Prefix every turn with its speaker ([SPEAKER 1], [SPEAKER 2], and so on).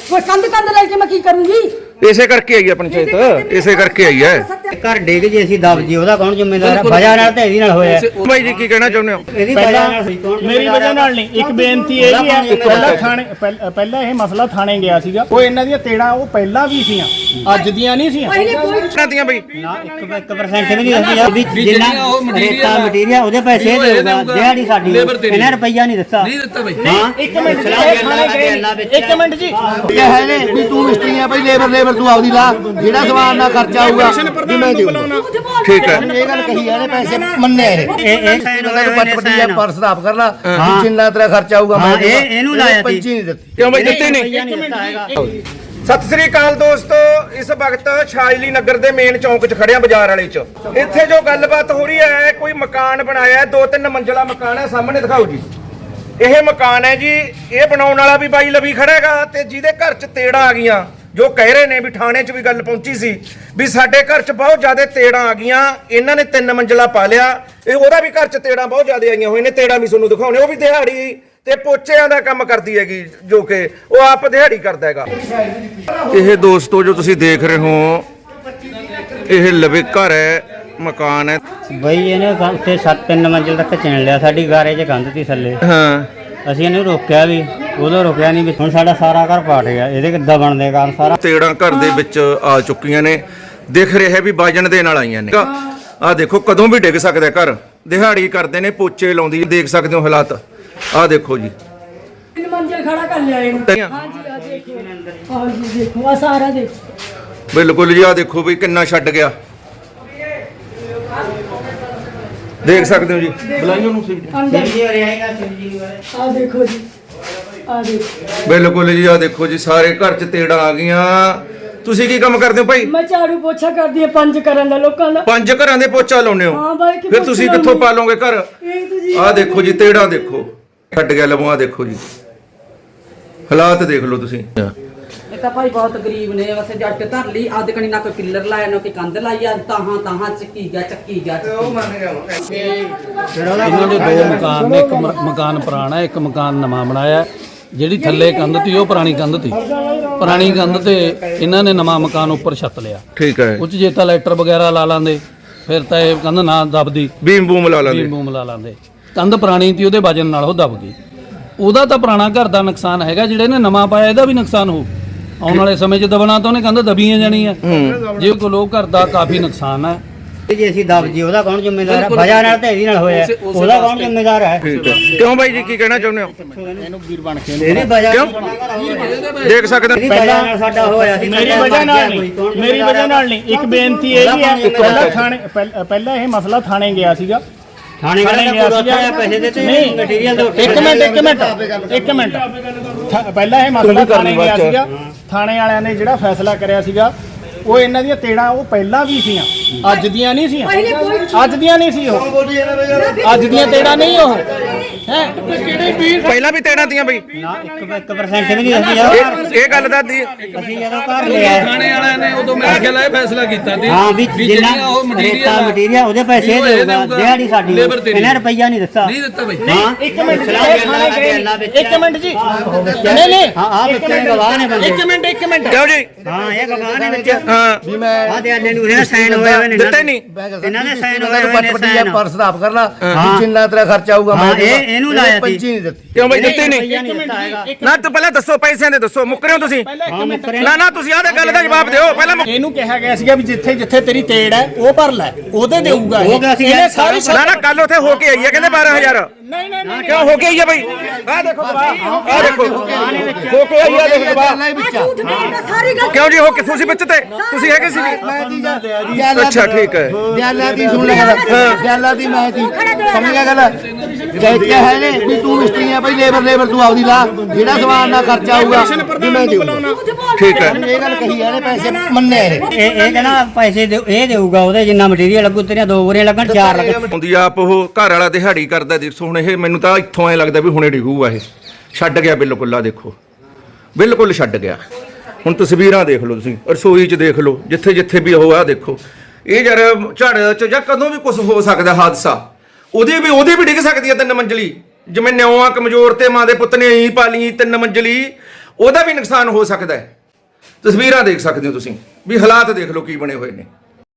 [SPEAKER 1] वो कंध कंध लेके मैं की करूंगी
[SPEAKER 2] ਇਸੇ ਕਰਕੇ ਆਈ ਹੈ ਪੰਚਾਇਤ, ਇਸੇ ਕਰਕੇ ਆਈ ਹੈ।
[SPEAKER 3] ਘਰ ਡਿੱਗ ਜੇ ਅਸੀਂ ਦਬ ਜੀ ਉਹਦਾ ਕੌਣ ਜ਼ਿੰਮੇਦਾਰ ਹੈ? ਵਜ੍ਹਾ ਨਾਲ ਤੇ ਇਹਦੀ ਨਾਲ ਹੋਇਆ।
[SPEAKER 2] ਭਾਈ ਜੀ ਕੀ ਕਹਿਣਾ ਚਾਹੁੰਦੇ ਹੋ?
[SPEAKER 3] ਇਹਦੀ ਵਜ੍ਹਾ ਨਾਲ ਹੋਈ, ਕੌਣ
[SPEAKER 4] ਮੇਰੀ ਵਜ੍ਹਾ ਨਾਲ ਨਹੀਂ। ਇੱਕ ਬੇਨਤੀ ਇਹ ਵੀ ਹੈ, ਪਹਿਲਾਂ ਇਹ ਮਸਲਾ ਥਾਣੇ ਗਿਆ ਸੀਗਾ, ਉਹ ਇਹਨਾਂ ਦੀਆਂ ਤੇੜਾਂ ਉਹ ਪਹਿਲਾਂ ਵੀ ਸੀਆਂ, ਅੱਜ ਦੀਆਂ ਨਹੀਂ ਸੀਆਂ।
[SPEAKER 2] ਦੀਆਂ ਬਈ
[SPEAKER 3] ਨਾ 1% ਵੀ ਨਹੀਂ ਹੁੰਦੀ ਵੀ ਜਿੰਨਾ ਰੇਤਾ ਮਟੀਰੀਅਲ ਉਹਦੇ ਪੈਸੇ ਦੇਊਗਾ, ਦਿਹਾੜੀ ਸਾਡੀ ਇਹਨਾਂ ਰੁਪਈਆ ਨਹੀਂ ਦਿੱਤਾ। ਹਾਂ
[SPEAKER 4] ਇੱਕ ਮਿੰਟ ਜੀ
[SPEAKER 5] ਇਹ ਹੈ ਨੇ ਵੀ ਤੂੰ ਮਿਸਤਰੀ ਆ ਭਾਈ, ਲੇਬਰ ਤੂੰ ਆਪਦੀ ਲਾ, ਜਿਹੜਾ ਸਮਾਨ ਨਾਲ ਖਰਚਾ ਆਊਗਾ ਵੀ ਮੈਂ ਦੇਊਂਗਾ।
[SPEAKER 2] ਠੀਕ ਹੈ,
[SPEAKER 5] ਇਹ ਗੱਲ ਕਹੀ ਇਹਨੇ, ਪੈਸੇ ਮੰਨੇ
[SPEAKER 3] ਇਹ ਸਾਈਨ ਹੋਏ ਹੋਏ ਨੇ,
[SPEAKER 5] ਪੱਟੀ ਆ ਪਰਸ ਸਾਫ ਕਰ ਲਾ, ਜਿੰਨਾ ਤੇਰਾ ਖਰਚਾ ਆਊਗਾ ਮੈਂ ਦੇਊਂਗਾ।
[SPEAKER 3] ਇਹਨੂੰ ਲਾਇਆ
[SPEAKER 5] ਪੰਚੀ ਨਹੀਂ ਦਿੱਤੀ।
[SPEAKER 2] ਕਿਉਂ ਬਈ ਦਿੱਤੀ ਨਹੀਂ? ਸਤਿ ਸ੍ਰੀ ਅਕਾਲ ਦੋਸਤੋ, ਇਸ ਵਕਤ ਸ਼ਾਇਲੀ ਨਗਰ ਦੇ ਮੇਨ ਚੌਂਕ 'ਚ ਖੜਿਆ ਬਾਜ਼ਾਰ ਵਾਲੇ 'ਚ। ਇੱਥੇ ਜੋ ਗੱਲਬਾਤ ਹੋ ਰਹੀ ਹੈ, ਕੋਈ ਮਕਾਨ ਬਣਾਇਆ 2-3 ਮੰਜ਼ਲਾ ਮਕਾਨ ਹੈ, ਸਾਹਮਣੇ ਦਿਖਾਓ ਜੀ। ਇਹ ਮਕਾਨ ਹੈ ਜੀ, ਇਹ ਬਣਾਉਣ ਵਾਲਾ ਵੀ ਬਾਈ ਲਵੀ ਖੜਾ ਹੈਗਾ, ਤੇ ਜਿਹਦੇ ਘਰ 'ਚ ਤੇੜਾਂ ਆ ਗਈਆਂ, ਜੋ ਕਹਿ ਰਹੇ ਨੇ ਵੀ ਥਾਣੇ 'ਚ ਵੀ ਗੱਲ ਪਹੁੰਚੀ ਸੀ ਵੀ ਸਾਡੇ ਘਰ 'ਚ ਬਹੁਤ ਜ਼ਿਆਦਾ ਤੇੜਾਂ ਆ ਗਈਆਂ, ਇਹਨਾਂ ਨੇ 3 ਮੰਜ਼ਲਾ ਪਾ ਲਿਆ। ਇਹ ਉਹਦਾ ਵੀ ਘਰ 'ਚ ਤੇੜਾਂ ਬਹੁਤ ਜ਼ਿਆਦਾ ਆਈਆਂ ਹੋਈਆਂ ਨੇ, ਤੇੜਾਂ ਵੀ ਤੁਹਾਨੂੰ ਦਿਖਾਉਣੇ। ਉਹ ਵੀ ਦਿਹਾੜੀ ਤੇ ਪੋਚਿਆਂ ਦਾ ਕੰਮ ਕਰਦੀ ਹੈਗੀ, ਜੋ ਕਿ ਉਹ ਆਪ ਦਿਹਾੜੀ ਕਰਦਾ ਹੈਗਾ। ਇਹ ਦੋਸਤੋ ਜੋ ਤੁਸੀਂ ਦੇਖ ਰਹੇ ਹੋ, ਇਹ ਲਵੇ ਘਰ ਹੈ, ਮਕਾਨ ਹੈ
[SPEAKER 3] ਬਈ ਇਹਨੇ ਤੇ 7-3 ਮੰਜ਼ਿਲ ਤੱਕ ਚਿਣ ਲਿਆ, ਸਾਡੀ ਗਾਰੇ 'ਚ ਕੰਧ ਤੀ ਥੱਲੇ।
[SPEAKER 2] ਹਾਂ,
[SPEAKER 3] ਅਸੀਂ ਇਹਨੂੰ ਰੋਕਿਆ ਵੀ, ਉਦੋਂ ਰੋਕਿਆ ਨਹੀਂ ਵੀ ਹੁਣ ਸਾਡਾ ਸਾਰਾ ਘਰ ਪਾਟ ਗਿਆ। ਇਹਦੇ ਕਿੱਦਾਂ ਬਣਦੇ ਕਾਰਨ ਸਾਰਾ
[SPEAKER 2] ਤੇੜਾਂ ਘਰ ਦੇ ਵਿੱਚ ਆ ਚੁੱਕੀਆਂ ਨੇ, ਦਿਖ ਰਿਹਾ ਵੀ ਵਜਨ ਦੇ ਨਾਲ ਆਈਆਂ ਨੇ। ਆਹ ਦੇਖੋ ਕਦੋਂ ਵੀ ਡਿੱਗ ਸਕਦਾ ਘਰ, ਦਿਹਾੜੀ ਕਰਦੇ ਨੇ, ਪੋਚੇ ਲਾਉਂਦੀ, ਦੇਖ ਸਕਦੇ ਹੋ ਹਾਲਾਤ। ਆਹ ਦੇਖੋ ਜੀ,
[SPEAKER 1] 3 मंजिल खड़ा कर लिया इन्होंने। हाँ जी देखो, हाँ जी देखो, आ सारा देखो।
[SPEAKER 2] ਬਿਲਕੁਲ ਜੀ। ਆਹ ਦੇਖੋ ਵੀ ਕਿੰਨਾ ਛੱਡ ਗਿਆ, ਦੇਖ ਸਕਦੇ ਹੋ ਜੀ। ਬੁਲਾਈਓ ਨੂੰ ਸੀ।
[SPEAKER 1] अंदर
[SPEAKER 3] ਜੀ ਰਹੇਗਾ ਜੀ
[SPEAKER 1] आ देखो जी, आ देखो।
[SPEAKER 2] ਬਿਲਕੁਲ ਜੀ। ਆਹ ਦੇਖੋ ਜੀ, ਸਾਰੇ ਘਰ 'ਚ ਤੇੜਾਂ ਆ ਗਈਆਂ। ਤੁਸੀਂ ਕੀ ਕੰਮ ਕਰਦੇ ਹੋ ਭਾਈ?
[SPEAKER 1] मैं झाड़ू पोछा कर दिए, पंज करन दा लोकां दा।
[SPEAKER 2] 5 ਘਰਾਂ ਦੇ ਪੋਚਾ ਲਾਉਨੇ ਹੋ,
[SPEAKER 1] हाँ भाई कि
[SPEAKER 2] ਫਿਰ ਤੁਸੀਂ ਕਿੱਥੋਂ ਪਾ ਲਓਗੇ ਘਰ?
[SPEAKER 1] एक तो जी
[SPEAKER 2] ਆਹ ਦੇਖੋ ਜੀ, ਤੇੜਾਂ ਦੇਖੋ, ਛੱਡ ਗਿਆ ਲਵੋ। ਆਹ ਦੇਖੋ ਜੀ, ਹਾਲਾਤ ਦੇਖ ਲਓ ਤੁਸੀਂ।
[SPEAKER 6] ਇਹ ਤਾਂ ਭਾਈ ਬਹੁਤ ਗਰੀਬ ਨੇ, ਵਸੇ ਜੱਟ ਧਰ ਲਈ ਆਦ ਕਣੀ ਨਾ ਕੋਈ ਪਿੱਲਰ ਲਾਇਆ ਨਾ ਕੋਈ ਕੰਧ ਲਾਈ ਆ, ਤਾਹਾਂ ਚੱਕੀ ਗਿਆ।
[SPEAKER 4] ਇਹਨਾਂ ਦੇ 2 ਮਕਾਨ ਨੇ, ਇੱਕ ਮਕਾਨ ਪੁਰਾਣਾ, ਇੱਕ ਮਕਾਨ ਨਵਾਂ ਬਣਾਇਆ। ਜਿਹੜੀ ਥੱਲੇ ਕੰਧ ਤੀ ਉਹ ਪੁਰਾਣੀ ਕੰਧ ਤੀ, ਪੁਰਾਣੀ ਕੰਧ ਤੇ ਇਹਨਾਂ ਨੇ ਨਵਾਂ ਮਕਾਨ ਉੱਪਰ ਛੱਤ ਲਿਆ।
[SPEAKER 2] ਠੀਕ ਹੈ,
[SPEAKER 4] ਉੱਚ ਜੇ ਤਾਂ ਲੈਟਰ ਵਗੈਰਾ ਲਾ ਲਾਂਦੇ, ਫਿਰ ਤਾਂ ਇਹ ਕੰਧ ਨਾ ਦਬਦੀ,
[SPEAKER 2] ਬੀਮ ਬੂਮ ਲਾ ਲਾਂਗੇ।
[SPEAKER 4] ਬੀਮ ਬੂਮ ਲਾ ਲਾਂਦੇ। ਕੰਧ ਪੁਰਾਣੀ ਤੀ, ਉਹਦੇ ਵਜਨ ਨਾਲ ਉਹ ਦਬ ਗਈ। ਉਹਦਾ ਤਾਂ ਪੁਰਾਣਾ ਘਰ ਦਾ ਨੁਕਸਾਨ ਹੈਗਾ, ਜਿਹੜੇ ਨੇ ਨਵਾਂ ਪਾਇਆ ਇਹਦਾ ਵੀ ਨੁਕਸਾਨ ਹੋ। ਆਉਣ ਵਾਲੇ ਸਮੇਂ 'ਚ ਦਬਣਾ ਤਾਂ ਉਹਨੇ ਕੰਧ ਦਬੀਆਂ ਜਾਣੀਆਂ। ਜੇ ਕੋ ਲੋਕ ਘਰ ਦਾ ਕਾਫੀ ਨੁਕਸਾਨ ਹੈ।
[SPEAKER 3] ਜੇ ਅਸੀਂ ਦਬ ਜੀ ਉਹਦਾ ਕੌਣ ਜ਼ਿੰਮੇਦਾਰ ਹੈ? ਵਜ੍ਹਾ ਨਾਲ ਤੇ ਇਹਦੀ ਨਾਲ ਹੋਇਆ, ਉਹਦਾ ਕੌਣ ਜ਼ਿੰਮੇਦਾਰ ਹੈ?
[SPEAKER 2] ਠੀਕ ਹੈ। ਕਿਉਂ ਬਾਈ ਜੀ ਕੀ ਕਹਿਣਾ ਚਾਹੁੰਦੇ ਹੋ?
[SPEAKER 4] ਇਹਨੂੰ ਵੀਰ ਬਣ ਕੇ
[SPEAKER 3] ਇਹਦੀ ਵਜ੍ਹਾ
[SPEAKER 2] ਕਿਉਂ? ਦੇਖ ਸਕਦੇ
[SPEAKER 3] ਇਹਦੀ ਵਜ੍ਹਾ ਨਾਲ ਸਾਡਾ ਹੋਇਆ ਸੀ।
[SPEAKER 4] ਮੇਰੀ ਵਜ੍ਹਾ ਨਾਲ ਨਹੀਂ, ਮੇਰੀ ਵਜ੍ਹਾ ਨਾਲ ਨਹੀਂ। ਇੱਕ ਬੇਨਤੀ ਇਹ ਵੀ ਹੈ, ਪਹਿਲਾਂ ਇਹ ਮਸਲਾ ਥਾਣੇ ਗਿਆ ਸੀਗਾ,
[SPEAKER 3] ਥਾਣੇ ਗਿਆ ਸੀਗਾ, ਪੈਸੇ ਦਿੱਤੇ
[SPEAKER 4] ਨਹੀਂ
[SPEAKER 3] ਮਟੀਰੀਅਲ ਦੇ ਉੱਤੇ।
[SPEAKER 4] ਇੱਕ ਮਿੰਟ ਪਹਿਲਾਂ ਇਹ ਮਸਲਾ ਥਾਣੇ ਗਿਆ ਸੀਗਾ, ਥਾਣੇ ਵਾਲਿਆਂ ਨੇ ਜਿਹੜਾ ਫੈਸਲਾ ਕਰਿਆ ਸੀਗਾ, ਉਹ ਇਹਨਾਂ ਦੀਆਂ ਤੇੜਾਂ ਉਹ ਪਹਿਲਾਂ ਵੀ ਸੀਆਂ, ਅੱਜ ਦੀਆਂ ਨਹੀਂ ਸੀਆਂ। ਅੱਜ ਦੀਆਂ ਨਹੀਂ ਸੀ ਉਹ, ਅੱਜ ਦੀਆਂ ਤੇੜਾਂ ਨਹੀਂ ਉਹ ਹੈ।
[SPEAKER 2] ਪਹਿਲਾਂ ਵੀ ਤੇੜਾਂ ਦੀਆਂ ਬਈ?
[SPEAKER 3] ਨਾ 1% ਵੀ ਨਹੀਂ ਹੁੰਦੀ।
[SPEAKER 2] ਇਹ ਗੱਲ ਦਾ ਦੀ
[SPEAKER 3] ਅਸੀਂ ਜਦੋਂ ਘਰ ਲਿਆ
[SPEAKER 7] ਥਾਣੇ ਵਾਲਿਆਂ ਨੇ ਉਦੋਂ ਮੇਰੇ ਖਿਆਲ ਇਹ ਫੈਸਲਾ ਕੀਤਾ ਸੀ
[SPEAKER 3] ਹਾਂ ਵੀ ਜਿੰਨਾ
[SPEAKER 7] ਉਹ
[SPEAKER 3] ਰੇਤਾ ਮਟੀਰੀਅਲ ਉਹਦੇ ਪੈਸੇ ਦੇਊਗਾ, ਦਿਹਾੜੀ ਸਾਡੀ ਇਹਨਾਂ ਰੁਪਈਆ ਨਹੀਂ ਦਿੱਤਾ।
[SPEAKER 7] ਨਹੀਂ ਦਿੱਤਾ ਬਈ।
[SPEAKER 3] ਹਾਂ
[SPEAKER 4] ਇੱਕ ਮਿੰਟ ਜੀ, ਇੱਕ ਮਿੰਟ ਜੀ, ਨਹੀਂ
[SPEAKER 3] ਹਾਂ ਆ ਬੱਚੇ ਗਵਾਹ ਨੇ ਬੰਦੇ।
[SPEAKER 4] ਇੱਕ ਮਿੰਟ
[SPEAKER 2] ਕਿਉਂ ਜੀ?
[SPEAKER 3] ਹਾਂ ਇਹ ਗਵਾਹ ਨੇ ਵਿੱਚ।
[SPEAKER 2] ਹਾਂ,
[SPEAKER 5] ਵੀ ਮੈਂ
[SPEAKER 3] ਆ ਦੇ ਆਲੇ ਨੂੰ ਇਹਨਾਂ ਸਾਈਨ ਹੋਏ ਹੋਏ ਨੇ,
[SPEAKER 2] ਦਿੱਤੇ ਨਹੀਂ?
[SPEAKER 3] ਇਹਨਾਂ ਦੇ ਸਾਈਨ ਹੋਏ ਹੋਏ ਨੇ।
[SPEAKER 5] ਪੱਟੀ ਆ ਪਰਸ ਸਾਫ ਕਰ ਲਾ, ਜਿੰਨਾ ਤੇਰਾ ਖਰਚਾ ਆਊਗਾ ਮੈਂ ਦੇਊਂਗਾ।
[SPEAKER 3] ਇਹਨੂੰ ਲਾਇਆ
[SPEAKER 5] ਪੰਚੀ
[SPEAKER 3] ਸੀ।
[SPEAKER 5] ਨਹੀਂ ਦਿੱਤੀ।
[SPEAKER 2] ਕਿਉਂ ਬਈ ਦਿੱਤੀ ਨਹੀਂ?
[SPEAKER 3] ਰੁਪਈਆ ਨਹੀਂ ਦਿੱਤਾ ਹੈਗਾ।
[SPEAKER 2] ਨਾ ਤੂੰ ਪਹਿਲਾਂ ਦੱਸੋ, ਪੈਸਿਆਂ ਦੇ ਦੱਸੋ, ਮੁੱਕ ਰਹੇ ਹੋ ਤੁਸੀਂ?
[SPEAKER 3] ਹਾਂ ਮੁੱਕਰੇ
[SPEAKER 2] ਨਾ ਨਾ, ਤੁਸੀਂ ਆਹ ਗੱਲ ਦਾ ਜਵਾਬ ਦਿਓ ਪਹਿਲਾਂ।
[SPEAKER 4] ਇਹਨੂੰ ਕਿਹਾ ਗਿਆ ਸੀਗਾ ਵੀ ਜਿੱਥੇ ਜਿੱਥੇ ਤੇਰੀ ਤੇੜ ਹੈ ਉਹ ਭਰ ਲੈ, ਉਹਦੇ ਦੇਊਗਾ
[SPEAKER 3] ਹੋ ਗਿਆ ਸੀ
[SPEAKER 4] ਇਹਨੇ ਸਾਰੀ
[SPEAKER 2] ਨਾ ਨਾ, ਕੱਲ ਉੱਥੇ ਹੋ ਕੇ ਆਈ ਹੈ, ਕਹਿੰਦੇ 12,000।
[SPEAKER 4] ਨਹੀਂ
[SPEAKER 2] ਕਿਉਂ ਹੋ ਕੇ ਆਈ ਹੈ ਬਈ? ਆਹ ਦੇਖੋ, ਆਹ ਦੇਖੋ ਹੋ ਕੇ ਆਈ ਹੈ, ਦੇਖ ਬਾਹਰ।
[SPEAKER 1] झूठ नहीं है सारी गल।
[SPEAKER 2] ਕਿਉਂ ਜੀ ਹੋ ਕੇ? ਤੁਸੀਂ ਵਿੱਚ ਤੇ ਤੁਸੀਂ ਹੈਗੇ ਸੀ ਜੀ? ਅੱਛਾ ਠੀਕ ਹੈ।
[SPEAKER 5] ਦਿਆਲਾ ਦੀ ਸੁਣ ਲੈ ਗੱਲ, ਦਿਆਲਾ ਦੀ ਮੈਂ ਦੀ ਸਮਝ ਗਿਆ ਗੱਲ। ਕਹਿ ਹੈ ਨੇ ਵੀ ਤੂੰ ਮਿਸਤਰੀ ਆ ਭਾਈ, ਲੇਬਰ ਤੂੰ ਆਪਦੀ ਲਾ, ਜਿਹੜਾ ਸਮਾਨ ਨਾਲ ਖਰਚਾ ਆਊਗਾ ਵੀ ਮੈਂ ਦੇਊਂਗਾ।
[SPEAKER 2] ਠੀਕ ਹੈ।
[SPEAKER 5] ਇਹ ਗੱਲ ਕਹੀ ਇਹਨੇ, ਪੈਸੇ ਮੰਨੇ
[SPEAKER 3] ਇਹ ਕਹਿੰਦਾ ਪੈਸੇ ਇਹ ਦੇਊਗਾ, ਉਹਦੇ ਜਿੰਨਾ ਮਟੀਰੀਅਲ ਲੱਗੂ ਤੇਰੀਆਂ 2 ਬੋਰੀਆਂ ਲੱਗਣ, 4 ਲੱਗਣ।
[SPEAKER 2] ਹੁੰਦੀ ਆਪ ਉਹ ਘਰ ਵਾਲਾ ਦਿਹਾੜੀ ਕਰਦਾ। ਦੇਖੋ ਹੁਣ ਇਹ ਮੈਨੂੰ ਤਾਂ ਇੱਥੋਂ ਐ ਲੱਗਦਾ ਵੀ ਹੁਣੇ ਡਿੱਗੂਗਾ। ਇਹ ਛੱਡ ਗਿਆ ਬਿਲਕੁਲ। ਆ ਦੇਖੋ, ਬਿਲਕੁਲ ਛੱਡ ਗਿਆ। ਹੁਣ ਤਸਵੀਰਾਂ ਦੇਖ ਲਓ ਤੁਸੀਂ, ਰਸੋਈ 'ਚ ਦੇਖ ਲਓ, ਜਿੱਥੇ ਜਿੱਥੇ ਵੀ ਉਹ ਆ ਦੇਖੋ। ਇਹ ਯਾਰ ਝੜ 'ਚ ਜਾਂ ਕਦੋਂ ਵੀ ਕੁਝ ਹੋ ਸਕਦਾ ਹਾਦਸਾ। ਉਹਦੇ ਵੀ ਡਿੱਗ ਸਕਦੀ ਹੈ 3 ਮੰਜ਼ਲੀ। ਜਿਵੇਂ ਨਿਉਆਂ ਕਮਜ਼ੋਰ ਤੇ ਮਾਂ ਦੇ ਪੁੱਤ ਨੇ ਇਹੀ ਪਾਲੀ 3 ਮੰਜ਼ਲੀ, ਉਹਦਾ ਵੀ ਨੁਕਸਾਨ ਹੋ ਸਕਦਾ ਹੈ। ਤਸਵੀਰਾਂ ਦੇਖ ਸਕਦੇ ਹੋ ਤੁਸੀਂ ਵੀ ਹਾਲਾਤ ਦੇਖ ਲਓ ਕੀ ਬਣੇ ਹੋਏ ਨੇ।